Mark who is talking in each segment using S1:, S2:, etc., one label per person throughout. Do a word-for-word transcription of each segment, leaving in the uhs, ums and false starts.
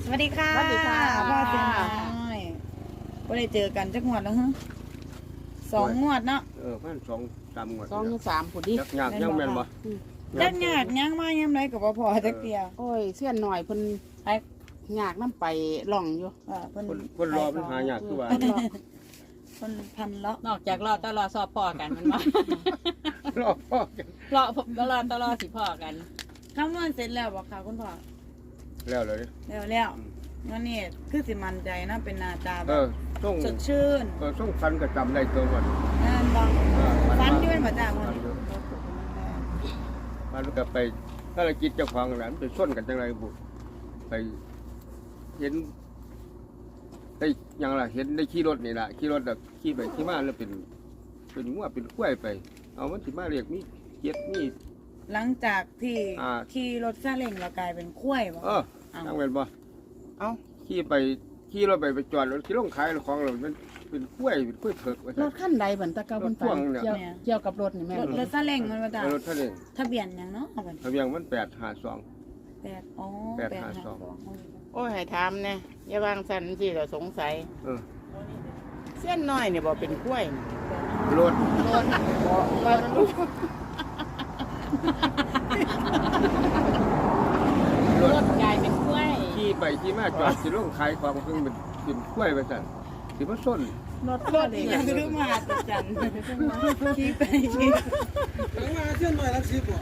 S1: สวัสดีค่ะ
S2: สวัสดีค่ะ
S1: พ่อเสียน้อยก็ได้เจอกันจักงวดแล้วฮะสองงวดเนาะ
S3: เออพันสองสามงวด
S2: สองหรือสามผุดดิ
S3: ยักยากยังแม่นบ่
S1: จักหยาดยังมายังไรกับพ่อจักเตีย
S2: โอ้ยเสี้ยนหน่อยเพิ่น
S1: ไอ้
S2: ยากน้ำไปล่องอยู่
S1: อ่าเพิ่น
S3: คนคนรอมันหายากคือว่า
S2: เพิ่นรอ
S1: เพิ่นพันเลาะ
S4: นอกจากรอตลอดสอบพ่อกันมันว่าร
S3: อพ่อกัน
S4: รอตลอดตลอดสิพ่อกัน
S1: คำนวณเสร็จแล้วบอกค่ะคุณพ่อ
S3: แล้วเลย
S1: แล้วแล้วงั้นนี่คือสิมั่นใจนะเป็นหนาตาแบ
S3: เอบ อส่ง
S1: สดชื่น
S3: เออส่งฟันก็จำได้ตัวหมด
S1: นั่นบอก
S3: เออ
S1: ฟันอยู่เป็นประจำ
S3: ฟั
S1: วัน
S3: น
S1: นี้
S3: อยู่ฟันก็ไปถ้าเรากินเจ้าของหลานไปส้นกันจังไรบุไปเห็นได้ยังล่ะเห็นได้ขี่รถนี่ล่ะขี่รถแบบขี่ไปขี่มาแล้วเป็นเป็นงัวเป็นกล้วยไป เอามันสิมาเรียกมีเจ็ดมี
S1: หลังจากที่
S3: อ่า
S1: ขี่รถซาเล้งเรากลายเป็นคุ้ยบอก
S3: เออนั่งเป็นบ่
S2: เอ้า
S3: ขี่ไปขี่รถไปไปจอดรถขี่ลงขายของเรามันเป็นกล้วยเป็นกล้วยเผือกว่า
S2: ร
S3: ซั่น
S2: ถขั้นใดเหมือนตะเกาบน
S3: รถพ่
S2: ฝั
S3: วน งเนี่ย
S2: เกี่ยวเกี่ยวกับรถนี่แม่
S1: รถรถซาเล้งมันมาจาก
S3: รถทะเล
S1: ทะเบียนหยังเนาะเอาไป
S3: ทะเบียนมันแปดห้าสอง
S1: แปดอ๋อ
S3: แปดห้าสอง
S2: โอ้ยให้ถามแน่อย่าวางสันสิเราสงสัย
S3: เออ
S2: เส้นน้อยเนี่ยบอกเป็นกล้วยนี่
S3: รถ
S2: รถบอกว่าลูก
S3: ร
S4: ร
S3: ถ
S4: ถกลายเป็นกล้วย
S3: ขี่ไปขี่มาจอดขี่ลงขายของซึ่งมันเป็นกล้วยไปสั่นสิมาส้น
S2: รถ
S1: ร
S2: ร
S1: ถ
S2: ถ
S1: อี
S2: อี
S1: ก
S2: ก
S1: อย่างคือมาติดจันขี่ไปขี่
S5: ถึงมาเช่นหน่อยละสิบบ่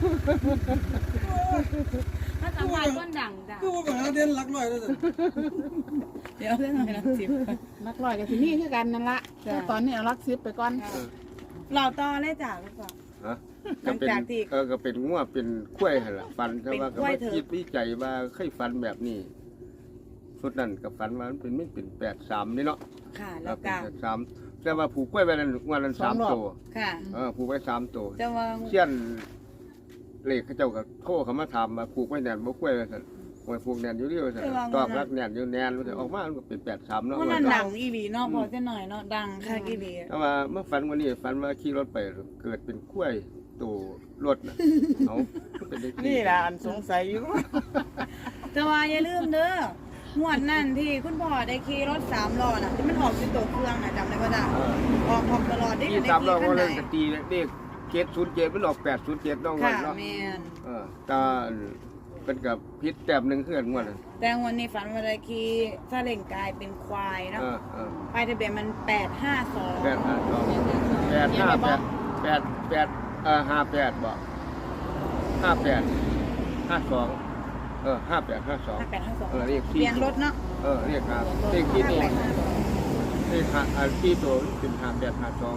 S1: ถ้าสัมภาษณ์คนดังจ้ะ
S5: คือว่าไปหาเด่นหลักร้อยแล้วสิ
S1: เดี๋ยวเรื่องอะไรนะสิบ
S2: นักลอยกับที่นี่คือกันนั่นละแต่ตอนนี้เอาลักซิปไปก่อน
S1: เราต่อเลยจ้ะแล้วก็
S3: ฮะ
S1: หลั
S3: ก็
S1: ง
S3: เป็น
S1: จากที่
S3: เออก็เป็นงัวเป็นกล้วยหั่นล่ะฟันแต่ว่า
S1: เป็น
S3: ก็
S1: กล้วย
S3: มา
S1: เถอะ
S3: คิดวิจัยว่าเคยฟันแบบนี้สุดนั้นกับฟันว่ามันเป็นไม่เป็นแปดสามนี่เนาะ
S1: ค่ะ
S3: แล้
S1: แล้ว ว
S3: เป็
S1: ก็
S3: นแปดสามแต่ว่าผูกกล้วยไว้นั้นงวันนั้นสามตัว
S1: ค่ะ
S3: เออผูกไว้สามตัว
S1: จะว่า
S3: เชี่ยนเลขเขาเจ้าก็โทรเขามาถามมาผูกไว้แน่นบ่กล้วยว่าซั่นไว้ผูกแน่นอยู่นี่ว่าซั่นตอกรักแน่นอยู่แน่นว่าซั่นออกมามันก็เป็นแปดสามเนาะ
S1: วันนั้นดังอีหลีเนาะพอจะหน่อยเนาะดังค่ะอีหลี
S3: แต่ว่าเมื่อฝันวันนี้ฝันว่าขี่รถไปเกิดเป็นกล้วยตัวรถน่ะเอาเป็นได้
S2: นี่แหละอันสงสัยอยู่
S1: จะว่าอย่าลืมเด้อหวดนั่นที่คุณพ่อได้ขี่รถสามล้อน่ะที่มันออกเป็นตัวเครื่องน่ะจำได้ป่ะจ๊ะ
S3: เออ
S1: ออกออกตลอดได้
S3: ที่
S1: ได้
S3: สามเรา
S1: ขี่
S3: ก็
S1: ขั้นใด
S3: เล่นกตีเลขเจ็ดศูนย์เจ็ดมันออกแปดศูนย์เจ็ดน้องวั
S1: ค่ะ
S3: นเนาะ
S1: แม่น
S3: เออตาเป็นกับพิษแต้มหนึ่งเพื่อนงวดน่ะ
S1: แต่วันนี้ฝันว่าได้ขี่ซาเล้งกลายเป็นควายเนาะ
S3: เออเออ
S1: ป้ายทะเบียนมันแปดห้าสอง
S3: แปดห้าสองแปดห้าแปดแปดแปดเออห้าแปดบ่ห้าแปดห้าสองเออห้าแปดห้าสอง
S1: ห้าแปดห้าสอง
S3: เออเรียกที่
S1: เปลี่ยนรถเนาะ
S3: เออเรียกครับเรียกที่ตัวเรียกหาอ่าที่ตัวเป็นห้าแปดห้าสอง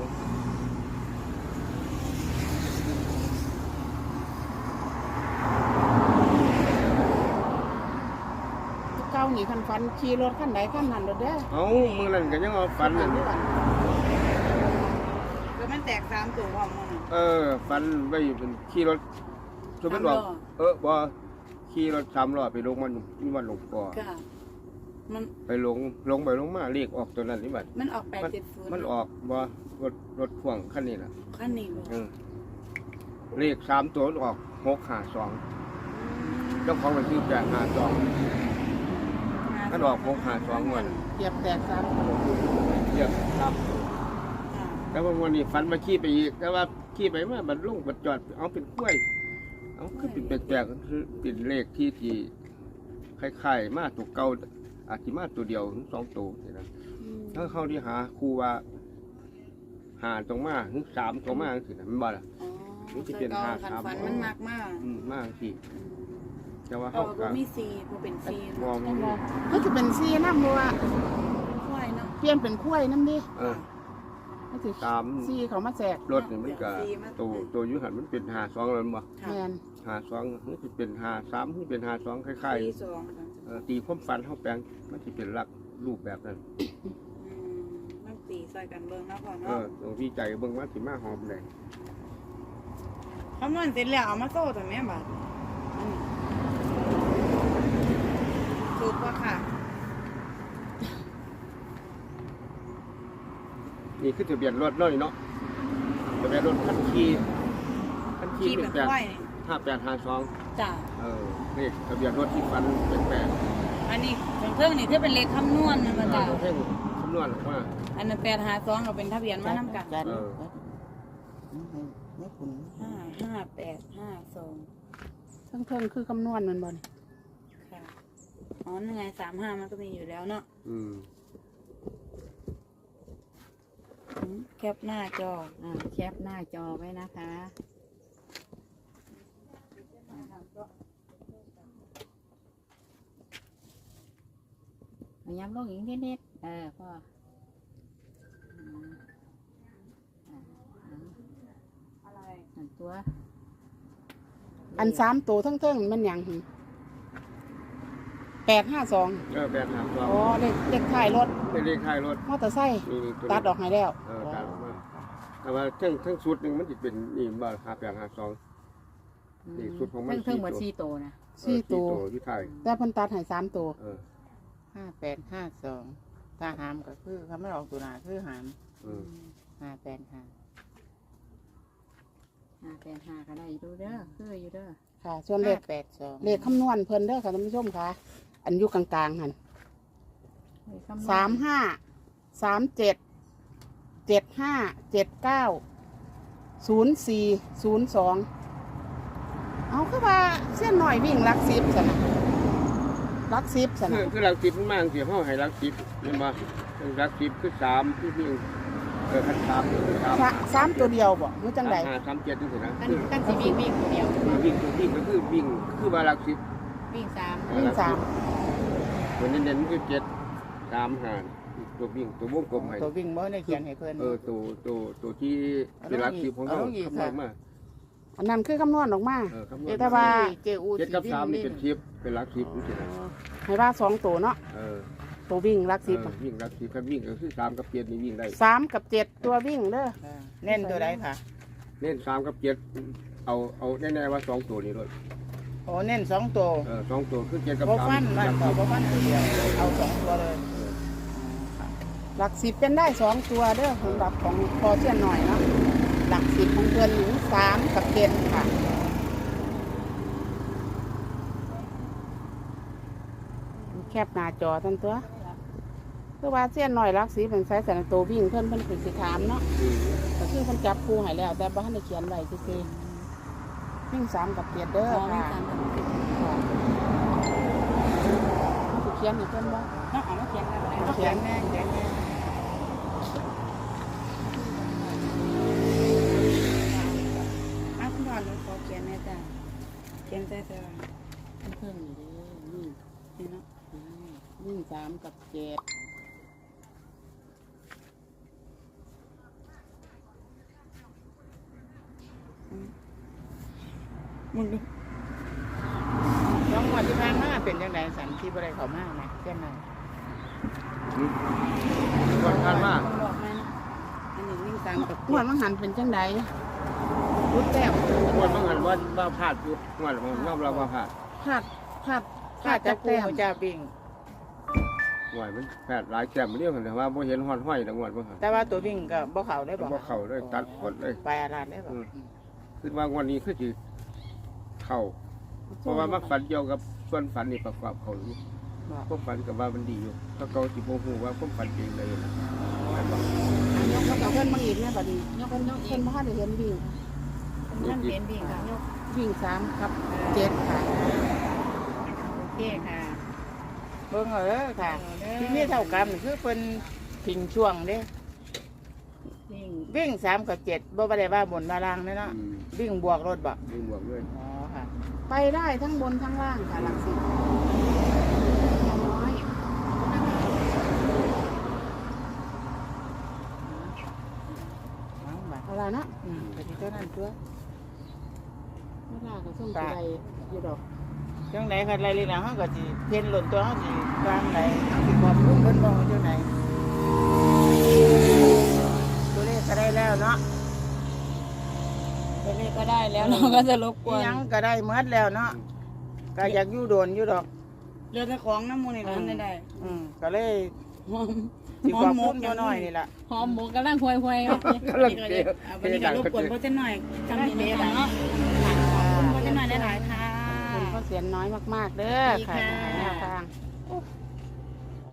S2: เก้านี่คันฟันขี่รถขั้นใดขั้นนั้นรถเด้อ
S3: เอามือนั่นก็ยังเอาฟัน
S2: ฟั
S3: นั่น
S2: น
S1: แล้วมันแตกสามตัวพร้อมกันน่ะ
S3: เออฟันไว้อยู่เป็นขี่รถสมมติว่า
S1: สามล้อ
S3: เออบ่ขี่รถสามล้อไปลงมันมันลงก่อ
S1: ค่ะมัน
S3: ไปลงลงไปลงมาเรียกออกตัวนั้นนี่บัด
S1: มันออกแปด
S3: มัน
S1: เจ็ดศูนย์
S3: มันออกบ่รถรถพ่วงคันนี้น่ะ
S1: ขั้นนี้บ่
S3: เออเลขสามตัวมันออกหกห้าสองเจ้าของมันชื่อแปดห้าสองมันออกหกห้าสองวัน
S2: เหยียบแตกสาม
S3: เรียกครับ
S1: ค่ะ
S3: แต่ว่าวันนี้ฟันมาขี่ไปอีกแต่ว่าขี่ไปมาบัดลงบัดจอดเอาเป็นกล้วยเอาคือเป็นแปลกๆคือเป็นเลขที่ที่คล้ายๆมาตัวเก่าอาจจะมาตัวเดียวถึงสองตัวนี่นะถ้าเขาที่หาครูว่าหาตรงมาถึงสามตรงมาสินะมันบ่ล่ะ
S1: อ๋อ
S3: นี่จะเป็น
S1: แต่ก่
S3: ห้า
S1: คัน
S3: สาม
S1: ฝันมันมากมาก
S3: อืมมากสิแต่ว่า
S1: เอ
S3: เขา
S1: อ
S3: ก็
S1: บ่มีซีบ่เป็นซี
S3: มอง
S2: ก็จะเป็นซีน้ำบัว
S1: ควายเนาะ
S2: เปลี่ยนเป็นกล้วยน้ำดิ
S3: เออ
S2: ก็สิ
S3: ตาม
S2: ซีเขามาแจก
S3: รถนี่มันก็ตัวตัวอยุหันมันเป็นหาสองแล้วมั้ง
S2: แมน
S3: หาสองมันจะเป็นหาสามมันเป็นหาสองคล้าย
S1: ซีสองค่ะ
S3: ๆเอ่อตีความฝันเขาแปลงมันจะเป็นลักรูปแบบนั้น
S1: อืมมันตีใส่กันเบิ่งเนาะพ่อ
S3: เอ
S1: เนาะ
S3: อตรงที่ใจเบิ่งว่าสิมาหอมเลย
S1: คำนวณเสร็จแล้วเอามาโซ่ตัวแม่บาดอันนี้ถูกป่ะค่ะ
S3: นี่คือทะเบียนรถน้อยเนาะทะเบียนรถคันขี่คันขี่
S1: ขี่
S3: เป็
S1: เป็น น
S3: แปด
S1: ควายนี่
S3: ห้าแปดห้าสอง
S1: จ้ะ
S3: เออเลขทะเบียนรถที่ฟันเป็นแปด
S1: อันนี้เครื่องนี่คือเป็นเลขคำนวณนะมา
S3: เอ
S1: จ้ะ
S3: อเพ่งคำนวณออกมา
S1: อันนั้นแปดหาสองก็เป็นทะเบียนมานํกัน
S2: จัด
S3: เออ
S2: ไม่คุณ
S1: ห้าห้าแปดห้าสอง
S2: เพิ่งเพิ่งคือคำนวณมันบ่น
S1: ค่ะอ๋อนั่นไงสามห้ามันก็มีอยู่แล้วเนาะ
S3: อืม
S1: อืมแคปหน้าจอ
S4: อ่าแคปหน้าจอไว้นะคะเอาย้ำลงอีกนิดๆเออพ่ออืมอ่าอ่า
S1: อะไร
S4: อันตัว
S2: อันสามตัวทั้งเทิงมันหยังหึแปดห้าสอง
S3: เออแปดหาสอง
S2: อ๋อเลขเลขท้ายรถ
S3: เป็นเลขท้ายรถ
S2: มอเตอร์ไซค์
S3: นี่นี่ตัวนี้
S2: ตัดออกให้แล้ว
S3: เออตัดออกมาแต่ว่าทั้งทั้งชุดหนึ่งมันจะเป็นนี่บ้าห้าแปดห้าสอง นี่ชุดของมัน
S4: เพิ่งเพิ่งหมด
S3: สี่
S4: สี่
S3: ตัว
S4: ตัวนะ
S2: สี่ตัว
S3: ที่ไทย
S2: แต่เพิ่นตัดให้สามตัว
S3: เออ
S6: ห้าแปดห้าสองถ้าหามก็คือเขาไม่ออกตัวหนาคือหาม
S3: เออ
S6: ห้าแปดห้า
S4: ห้าแปดห้าก็ได้อยู่เด้อคืออยู่เด้อ
S2: ค่ะ ส่วนเลข
S6: แปดสอง
S2: เลขคำนวณเพิ่นเด้อค่ะท่านผู้ชมค่ะ อันอยู่กลางๆหัน
S4: เลขคำนวณ
S2: สามห้าสามเจ็ดเจ็ดห้าเจ็ดเก้าศูนย์สี่ศูนย์สองเอาคือว่าเส้นหน่อยวิ่งลักซิบสนะลักซิบส
S3: คื
S2: นะ
S3: อคือรักจิบมันมากสิห้องให้รักจิบเห็นป่ะรักจิบคือสามที่วิ่งเออคันสามคือสาม
S2: สะสามตัวเดียวบ่รู้จังได
S3: ห้าสามเจ็ดนี่สินะ
S4: กัน
S3: คือ
S4: กันสิวิ่งวิ่งเดียว
S3: วิ่งตัววิ่งก็คือวิ่งคือว่ารักจิบ
S4: วิ่งสาม
S2: วิ่งสาม
S3: ตัวเน้นๆมันคือเจ็ดสามห้าตัววิ่งตัววงกลมให้
S6: ตัววิ่งบ่ได้เขียนให้เพื่อน
S3: เออตัวตัวตัวที่เป็นรักจิบของเขา
S6: เอาลงอีก
S3: คำนวณมา
S2: อันนั้นคือคำนวณออกมา
S3: เออคำนวณ
S2: แต่ว่า
S6: เจอู
S3: เจ็ดกับสามนี่
S6: วิ่ง
S3: เป็นชิปเป็นรักชิปนี่สินะ
S2: ให้ว่าสองตัวเนาะ
S3: เออ
S2: ตัววิ่งลักซิบ
S3: เออวิ่งรักชิปคันวิ่งก็คือสามกับเจ็ดนี่วิ่งได้
S2: สามกับเจ็ดตัววิ่งเด้อ
S6: อ่าเน้นตัวใดค่ะ
S3: เน้นสามกับเจ็ดเอาเอาแน่ๆว่าสองตัวนี้เลย
S6: โอ้เน้นสองตัว
S3: เออสองตัวคือเจ็ดกับ
S6: บ่
S3: สาม
S6: ฟันมัน
S3: รัก
S6: ก็
S3: ชิป
S6: บ่ฟันตัวเดียวเอาสองตัวเลย
S2: หลักสิบเป็นได้สองตัวเด้อสำหรับของพอเช่นหน่อยเนาะหลักสิบของเพื่อนหนึ่งสามกับเจ็ดค่ะแคบหน้าจอทั้งตัวคือว่าเส้นหน่อยรักสีเป็นไซส์สันตัววิ่งเพิ่นเพิ่นเป็นสิถามเนาะ
S3: อืม
S2: ก็คือเพิ่นจับคู่ให้แล้ว แต่บ่ทันได้เขียนไว้ซื่อๆวิ่งสามกับเจ็ดเด้อ
S1: อ๋อวิ่ง
S2: ค่ะ
S1: สาม
S2: ค่ะเขาสิเขียนให้เพิ่นบ่
S1: ต้องเอามาเขียนกันเลย
S6: เขียนแน่เขียนแน่
S1: อ้าวคุณพ่อหนูขอเขียนแม่จ้ะเขียนใส่เสื้อ
S2: เพิ่นนี่เด้อวิ่ง
S1: นี่เนาะ
S2: วิ่งสามกับเจ็ด
S1: มึงดู
S6: สองวันที่ผ่านมาเป็นยังไงสันที่บ่ได้เข้ามาไหมเช่นนั้น
S3: อืมคนทานมาก
S1: คนบอกแม่นะอันนี้วิ่งสามกับ
S2: งวดมังหันเป็นจังไดรุดแต้ม
S3: คนบางหันว่าว่าพลาดอยู่งวดมันยอมรับว่าพลาด
S2: พลาดพลาดพลา
S6: ข้า
S2: ด
S6: จะ
S2: จาก
S6: กู
S2: แต้ม
S6: จะวิ่ง
S3: งวดมันแผดหลายแก้มเรียกกันแต่ว่าบ่เห็นห้อนห้อยแต่งวดบ่หัน
S6: แต่ว่าตัววิ่งก็บ่เข้าได้บ่
S3: บ่เข้าเลยตัดหมดเลย
S6: ไปอาลาดได้บ่
S3: อืม คือว่างวันนี้คือสิเข้าเพราะว่ามักฝันเกี่ยวกับส่วนฝันนี่ประกอบเขาอยู่ความฝันกับว่ามันดีอยู่ถ้าเขาสิบ่ฮู้ว่าความฝันจริงเลยนะแต่ว่า
S2: ยกกับเพื่อนมาอีกเนี่ยบัดนี้ยกกันยกเพิ่นบ่ทันได้เห็นวิ่ง
S1: นั่นเขียนวิ่งค่ะยก
S2: วิ่งสามกับเจ็ดค่ะ
S4: โอเคค่ะ
S6: เบิ่งเอาเด้อค่ะ ที่มีเท่ากันคือเพิ่นทิ้งช่วงเด้
S4: วิ่ง
S6: วิ่งสามกับเจ็ดบ่ได้ว่าบนมาล่างเด้อเนาะ
S3: อืม
S6: วิ่งบวกรถบ่
S3: มีบวกด้วย
S6: อ๋อค่ะ
S2: ไปได้ทั้งบนทั้งล่างค่ะหลักสิบน้อย
S6: เอาบ่
S2: เอาละเนาะ
S6: อืมก็สิเท่านั้นตัว
S2: เวลาก็ส่งไปอยู่ดอก
S6: จังได๋คันไรเลยนะเฮาก็สิเพ่นหล่นตัวเฮาสิวางไหนเฮาสิขอบคุณเพิ่นบ่จังได๋ตัวเลขก็ได้แล้วเนาะ
S1: ตัวเลขก็ได้แล้วเราก็จะรบก
S6: อี
S1: วน
S6: หยังก็ได้หมดแล้วเนาะก็อยากอยู่โดนอยู่ดอก
S1: เรือแต่ของน้ำมูลในร้านได้ได้
S6: อืมก็เลย
S1: หอม
S6: สิขอบคุณตัวน้อยนี่ล่ะ
S4: หอมหมูกำลังห่วยห่วย
S3: กำลัง
S1: นี่ก็
S3: เตะ
S1: จะเอาวันนี้ก็รบกวนพ่อเจ้าหน่อยจำนี้นะเนาะขอบคุณพ่อเจ้าหน่อยได้หลายค่ะ
S2: คุณก็เสียนน้อยมากๆเด้อค่ะ
S1: ดีค่ะ
S2: แนวทาง